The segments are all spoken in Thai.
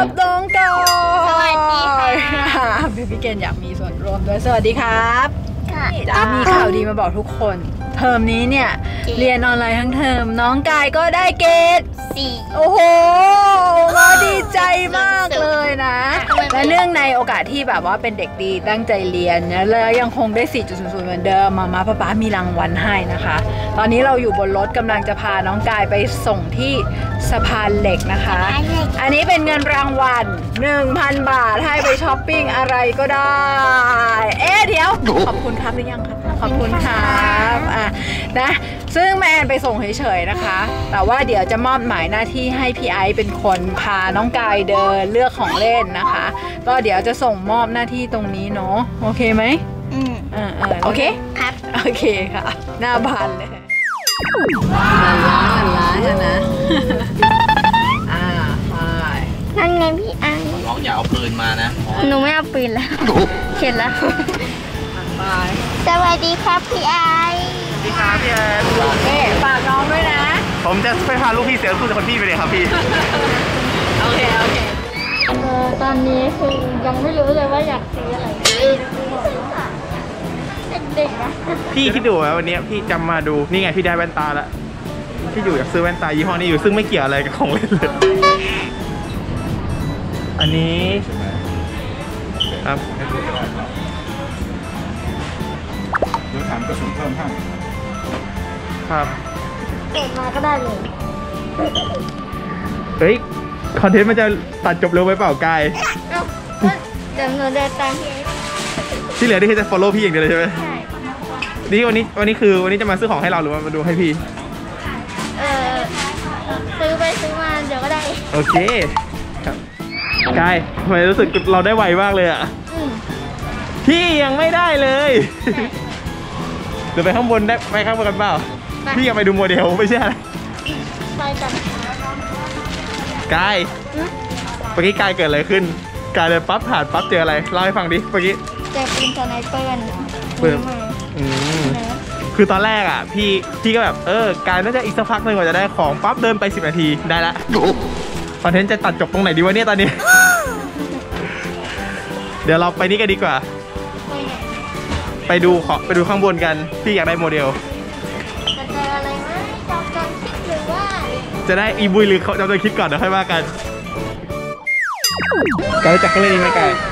กับน้องกายสวัสดีค่ะเบบี้เกนอยากมีส่วนร่วมด้วยสวัสดีครับจะมีข่าวดีมาบอกทุกคนเทอมนี้เนี่ยเรียนออนไลน์ทั้งเทอมน้องกายก็ได้เกรด 4 โอ้โหมาดีใจมากเลยนะและเนื่องในโอกาสที่แบบว่าเป็นเด็กดีตั้งใจเรียนนะแล้วยังคงได้ 4.00 เหมือนเดิมมาป๊ามีรางวัลให้นะคะตอนนี้เราอยู่บนรถกำลังจะพาน้องกายไปส่งที่สะพานเหล็กนะคะอันนี้เป็นเงินรางวัล 1,000 บาทให้ไปช้อปปิ้งอะไรก็ได้เดี๋ยวขอบคุณครับหรือยังครับขอบคุณครับนะซึ่งแมนไปส่งเฉยๆนะคะแต่ว่าเดี๋ยวจะมอบหมายหน้าที่ให้พี่ไอซ์เป็นคนพาน้องกายเดินเลือกของเล่นนะคะก็เดี๋ยวจะส่งมอบหน้าที่ตรงนี้เนาะโอเคไหมโอเคครับโอเคค่ะหน้าบานเลยล้านนะไปนั่นไงพี่อังร้องอย่าเอาปืนมานะหนูไม่เอาปืนแล้วเข็ดแล้วไปสวัสดีครับพี่ไอสวัสดีครับพี่แอนฝากน้องด้วยนะผมจะไปพาลูกพี่เสียสู้จากคนพี่ไปเลยครับพี่โอเคตอนนี้คือยังไม่รู้เลยว่าอยากซื้ออะไรเด็กๆนะพี่คิดดูว่าวันนี้พี่จำมาดูนี่ไงพี่ได้แว่นตาแล้วพี่อยู่อยากซื้อแว่นตายี่ห้อนี้อยู่ซึ่งไม่เกี่ยวอะไรกับของเล่นเลยอันนี้ครับเดี๋ยวถามกระสุนเพิ่มให้ครับเกิดมาก็ได้เลยเฮ้ยคอนเทนต์มันจะตัดจบเร็วไปเปล่ากายเดี๋ยวหนูเดินตามพี่ที่เหลือนี่คือจะ follow พี่อย่างเดียวเลยใช่ไหมใช่นี่วันนี้จะมาซื้อของให้เราหรือว่ามาดูให้พี่ซื้อไปซื้อมาเดี๋ยวก็ได้โอเคครับกายทำไมรู้สึกเราได้ไวมากเลยอ่ะพี่ยังไม่ได้เลยเดี๋ยวไปข้างบนได้ไปข้างบนกันเปล่าพี่อยากไปดูโมเดลไม่ใช่อะไรไปกันกายเมื่อกี้กายเกิดอะไรขึ้นกายเลยปั๊บผ่านปั๊บเจออะไรเล่าให้ฟังดิเมื่อกี้เจอปืนสไนเปอร์คือตอนแรกอ่ะพี่ก็แบบกายน่าจะอีกสักพักหนึ่งกว่าจะได้ของปั๊บเดินไป10 นาทีได้ละคอนเทนต์จะตัดจบตรงไหนดีวะเนี่ยตอนนี้เดี๋ยวเราไปนี่กันดีกว่าไปดูข้างบนกันพี่อยากได้โมเดลจะเจออะไรไหมจำคิดหรือว่าจะได้อีบุยหรือเขาจำคิดก่อนเดี๋ยวค่อยว่ากันกายจักรเล่นไหมกาย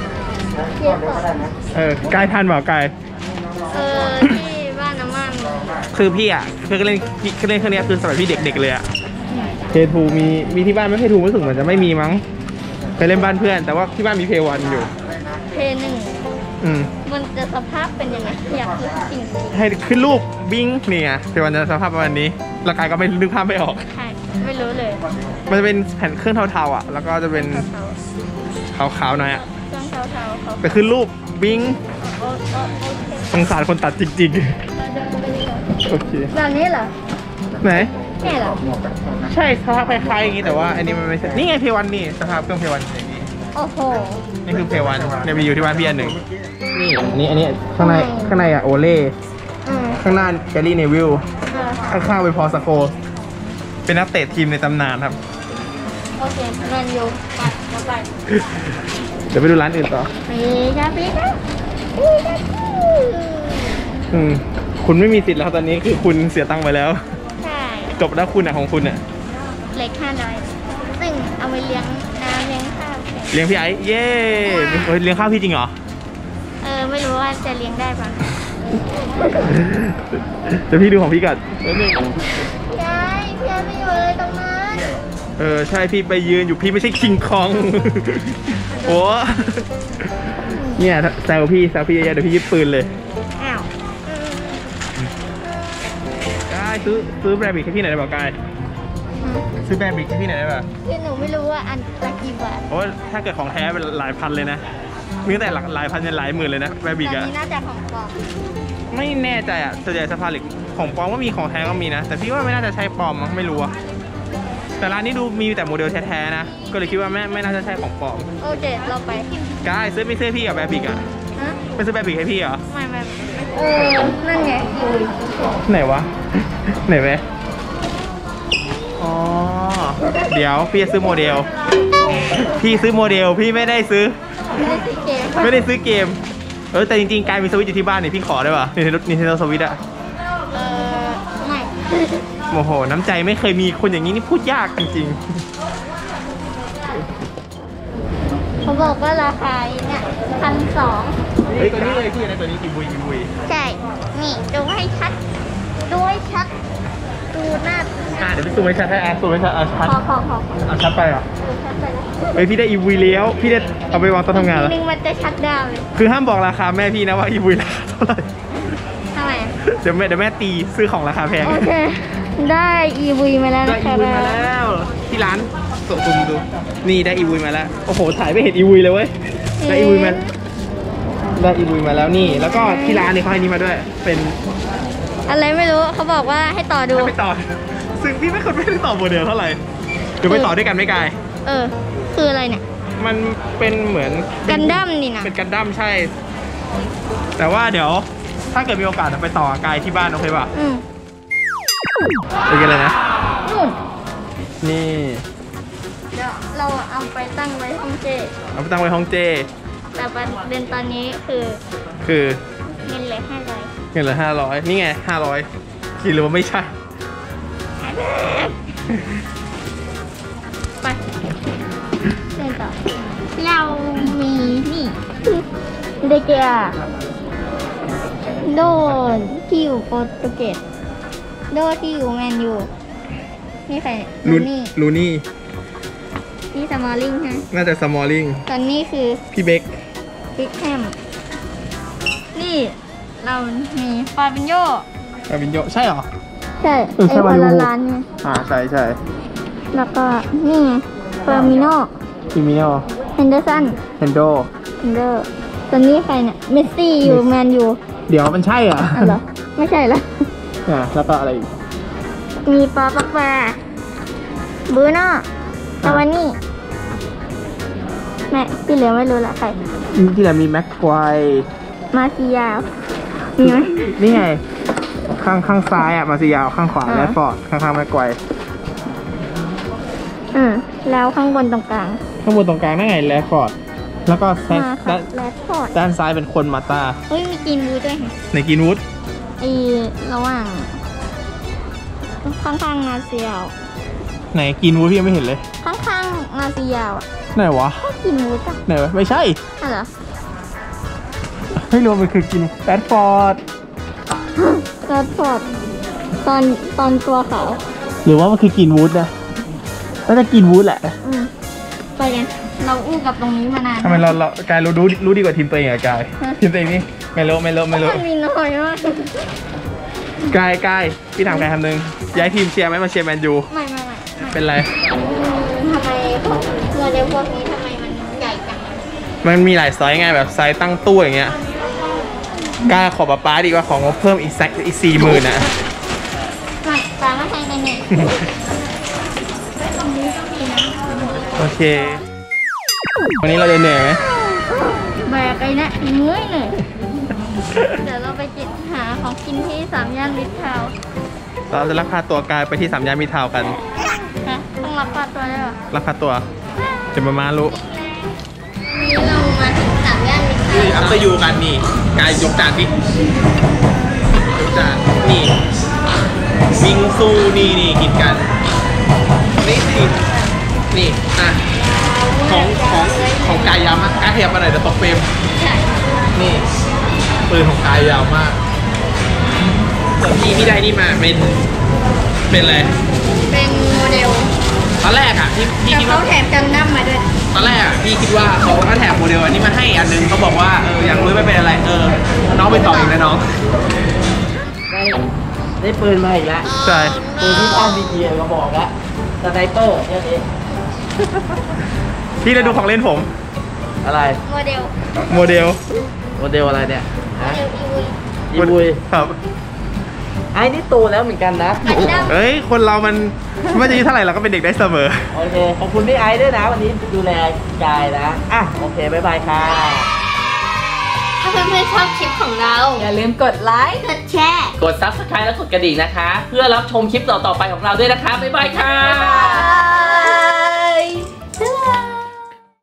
กายทันเปล่ากายที่บ้านน้ำมันคือพี่อ่ะเคยเล่นเครื่องนี้คือสมัยพี่เด็กๆเลยอ่ะเพย์ทูมีที่บ้านไม่เพย์ทูรู้สึกเหมือนจะไม่มีมั้งไปเล่นบ้านเพื่อนแต่ว่าที่บ้านมีเพย์วันอยู่เพย์1มันจะสภาพเป็นยังไงอยากรู้จริงให้ขึ้นรูปบิ้งนี่ไงเพย์วันจะสภาพประมาณนี้ร่างกายก็ไม่นึกภาพไม่ออกใช่ไม่รู้เลยมันจะเป็นแผ่นเครื่องเทาๆอ่ะแล้วก็จะเป็นขาวๆหน่อยอ่ะเครื่องเทาไปขึ้นรูปบิ้งสงสารคนตัดจริงๆโอเคแบบนี้เหรอไหนแค่เหรอใช่สภาพคล้ายๆอย่างนี้แต่ว่าอันนี้มันไม่ใช่นี่ไงเพย์วันนี่สภาพเครื่องเพย์วันอย่างนี้โอ้โหนี่คือเพย์วันเนี่ยมีอยู่ที่บ้านพี่อันหนึ่งนี่อันนี้ข้างในอะโอเล่ข้างหน้าแกลลี่เนวิลข้างๆเป็นพอสโกเป็นนักเตะทีมในตำนานครับโอเคแมนยูไปเดี๋ยวไปดูร้านอื่นต่อพี่คุณไม่มีสิทธิ์แล้วตอนนี้คือคุณเสียตังค์ไปแล้วใช่จบแล้วคุณอะของคุณอะเล็ก500ซึ่งเอาไปเลี้ยงน้ำเลี้ยงข้าวเลี้ยงพี่ไอ้เย้เลี้ยงข้าวพี่จริงเหรอไม่รู้ว่าจะเลี้ยงได้ป่ะจะพี่ดูของพี่ก่อนพี่ไอ้ไม่อยู่เลยตรงนั้นใช่พี่ไปยืนอยู่พี่ไม่ใช่คิงคองโอ้เนี่ยแซวพี่เยอะๆเดี๋ยวพี่ยึดปืนเลยอ้าวกายซื้อแบรนด์บิ๊กให้พี่หน่อยได้ป่ะกายซื้อแบรนด์บิ๊กให้พี่หน่อยได้ป่ะคือหนูไม่รู้ว่าอันละกี่บาทโอ้ถ้าเกิดของแท้เป็นหลายพันเลยนะมีตั้งแต่หลายพันจนหลายหมื่นเลยนะแบรนด์บิ๊กอะนี่น่าจะของปลอมไม่แน่ใจอะส่วนใหญ่สภาพเหล็กของปลอมก็มีของแท้ก็มีนะแต่พี่ว่าไม่น่าจะใช่ปลอมมั้งไม่รู้อะแต่ร้านนี้ดูมีแต่โมเดลแท้ๆนะก็เลยคิดว่าไม่น่าจะใช่ของปลอมโอเคเราไปกายซื้อพี่กับแบรนด์บิ๊กอะไม่ซื้อแบรนด์บิ๊กให้พี่เหรอไม่นั่นไงไหนวะไหนไหมอ๋อเดี๋ยวพี่จะซื้อโมเดลพี่ซื้อโมเดลพี่ไม่ได้ซื้อไม่ได้ซื้อเกมแต่จริงๆกายมีสวิตช์อยู่ที่บ้านนี่พี่ขอได้ป่ะNintendo Switch อะไม่โอ้โหน้ำใจไม่เคยมีคนอย่างนี้นี่พูดยากจริงเขาบอกว่าราคาเนี่ย1,200 ๆเฮ้ยตัวนี้เลยพี่นะตัวนี้กิบุยใช่ นี่ดูให้ชัด ดูให้ชัด ดูหน้าเดี๋ยวพี่ซูมให้ชัดให้ซูมให้ชัดชัดพอเอาชัดไปเหรอดูชัดไปแล้วเฮ้ยพี่ได้อีวีแล้วพี่ได้เอาไปวางโต๊ะทำงานแล้วทีนึงมันจะชัดดาวน์เลยคือห้ามบอกราคาแม่พี่นะว่าอีวีราคาเท่าไหร่ทำไมเดี๋ยวแม่ตีซื้อของราคาแพงโอเค ได้ EV มาแล้วได้นะอีคะวีมาแล้วที่ร้านซูมดูนี่ได้อีวีมาแล้วโอ้โหถ่ายไม่เห็นอีวีเลยเว้ยได้อีวีมาแล้วนี่แล้วก็ที่ร้านนี่เขาให้นี่มาด้วยเป็นอะไรไม่รู้เขาบอกว่าให้ต่อดูไปต่อซึ่งพี่ไม่เคยไม่ได้ต่อโมเดลเท่าไหร่เดี๋ยวไปต่อด้วยกันไม่กายคืออะไรเนี่ยมันเป็นเหมือนกันดั้มนี่นะเป็นกันดั้มใช่ แต่ว่าเดี๋ยวถ้าเกิดมีโอกาสจะไปต่อกายที่บ้านโอเคป่ะโอเคเลยนะนู่นนี่เดี๋ยวเราเอาไปตั้งไว้ห้องเจเอาไปตั้งไว้ห้องเจแต่ประเด็นตอนนี้คือ เงินเหลือ500 เงินเหลือ500นี่ไง500คิดหรือว่าไม่ใช่ไปเดินต่อเรามีนี่เดเกียโดนที่อยู่โปรตุเกสโดที่อยู่แมนยูนี่ใครลูนี่ นี่สมอลลิงฮะน่าจะสมอลลิงตอนนี้คือพี่เบคบิ๊กแฮมนี่เรามีฟาบินโยอาวินโยใช่เหรอใช่เออใช่ไอ้คนวาละลูร้านไงใช่แล้วก็นี่ไงเฟอร์มิโนคิมิโนเฮนเดอร์สันเฮนโดเฮนเดอร์ตอนนี้ใครเนี่ยเมสซี่อยู่แมนยูเดี๋ยวมันใช่เหรออ๋อเหรอไม่ใช่ละแล้วก็อะไรอีกมีปาปักแปรบูโน่ตะวันนี่แม่ที่เหลือไม่รู้ละใครที่ไหนมีแม็กควายมาซิยาวมีไหมนี่ไงข้างซ้ายอ่ะมาซิยาวข้างขวาอ่าแรดฟอร์ดข้างแม็กควายแล้วข้างบนตรงกลางข้างบนตรงกลางนั่นไงแรดฟอร์ดแล้วก็มาค่ะแรดฟอร์ดด้านซ้ายเป็นคนมาตาเฮ้ยมีกินบูด้วยค่ะในกินวูดไอระหว่างข้างๆนาซียาวไหนกินวูดพี่ยังไม่เห็นเลยข้างๆนาซียาวอ่ะไหนวะก็กินบูจ้ะไหนวะไม่ใช่อ๋อเหรอไม่รู้มันคือกินแรดฟอร์ดแรดฟอร์ดตอนตัวขาวหรือว่ามันคือกินวูดนะน่าจะกินวูดแหละไปกันเราอู้กับตรงนี้มานานทำไมเรากายรู้ดีกว่าทีมตัวเองอะกายทีมตัวเองนี่ไม่รู้มันมีน้อยมากกายพี่ถามกายคำนึงย้ายทีมเชียร์ไหมมาเชียร์แมนยูไม่เป็นไรทำไมพวกโมเดลพวกนี้ทำไมมันใหญ่จังมันมีหลายไซส์ไงแบบไซส์ตั้งตู้อย่างเงี้ยกล้าขอป๊าดีกว่าของงบเพิ่มอีก40,000นะไม่ตามมาใช้ในนี้โอเค วันนี้เราจะเหนื่อยไหมแบกไอ้นะเมื่อยหน่อยเดี๋ยวเราไปหาของกินที่3 ย่านมิตรทาวน์เราจะลักพาตัวกายไปที่3 ย่านมิตรทาวน์กันนะต้องรับปลาตัวได้หรอลักพาตัวจะมารู้นี่เรามาถึง3 ย่านมิตรทาวน์อัพเตอร์ยูกันนี่กายยกจานพี่ยกจานนี่วิงซูนี่กินกันนี่อ่ะของกายยาวมากกายขยับมาหน่อยเดี๋ยวตกเฟรมใช่นี่ปืนของกายยาวมากส่วนพี่ได้นี่มาเป็นอะไรเป็นโมเดลตอนแรกอ่ะพี่แต่คิดเขาว่าแถมกันดั้มมาด้วยตอนแรกอ่ะพี่คิดว่าเขาแถมโมเดลอันนี้มาให้อันนึงเขาบอกว่าอยากรู้ไม่เป็นอะไรน้องไปต่อเองนะน้องได้ปืนมาอีกแล้วใช่ปืนที่ตั้งดีเก็บอกแล้วสไนเปอร์เนี่ยเองพี่จะดูของเล่นผมอะไรโมเดลโมเดลโมเดลอะไรเนี่ยโมฮะเดลอีวีอีบุยครับไอ้นี่โตแล้วเหมือนกันนะกันดั้มเอ้ยคนเรามันไม่ว่าจะอายุเท่าไหร่เราก็เป็นเด็กได้เสมอโอเค ขอบคุณพี่ไอซ์ด้วยนะ วันนี้ดูแลกายนะ อ่ะ โอเค บ๊ายบายค่ะถ้าเพื่อนๆชอบคลิปของเราอย่าลืมกดไลค์กดแชร์กด Subscribe และกดกระดิ่งนะคะ เพื่อรับชมคลิปต่อๆไปของเราด้วยนะคะ บ๊ายบายค่ะบ๊ายบาย